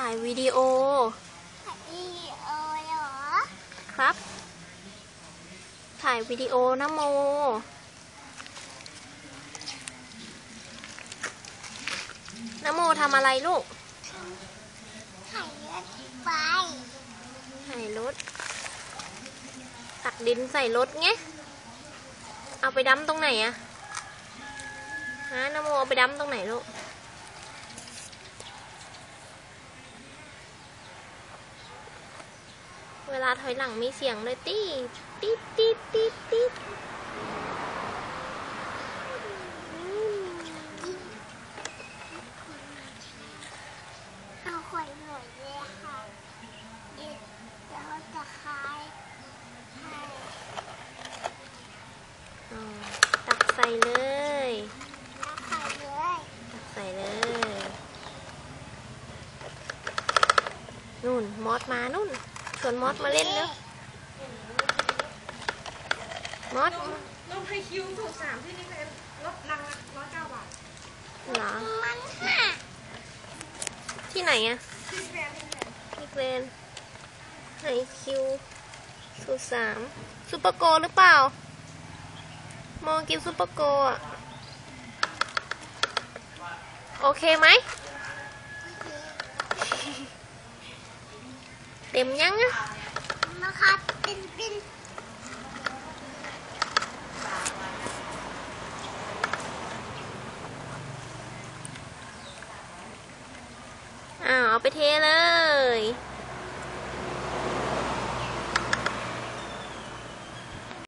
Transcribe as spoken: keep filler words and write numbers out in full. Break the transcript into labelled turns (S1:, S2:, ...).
S1: ายวิดีโอ
S2: ถ่ายวิดีโอเหรอ
S1: ครับถ่ายวิดีโอนะโมนะโมทำอะไรลูก
S2: ถ่ายรถไฟ
S1: ถ่ายรถตักดินใส่รถไงเอาไปดั้มตรงไหนอะฮะนะโมเอาไปดั้มตรงไหนลูกเวลาถอยหลังมีเสียงเลยตีดตีดตีดตีดตีด
S2: เอาขวดหน่อยเลยค่ะเดี๋ยวเราจะคายให้
S1: ตักใส่เลย
S2: ตักใส่เลย
S1: ตักใส่เลยนู่นมอสมานู่นชวนมอสมาเล่นแล้วมอส
S3: ลงไฮคิวถูกสามที่นี่เป็นลดลังร้อยเก้าบาท
S1: เหรอ
S2: มันค่ะ
S1: ที่ไหนอะ
S3: ที่แกรน
S1: ที่แกรนไฮคิวสูตรสามซูเปอร์โกหรือเปล่ามองกินซูเปอร์โกอะโอเคไหมเต็มยังอะ
S2: นะคะเป็นเป็น
S1: อ้าวเอาไปเทเลย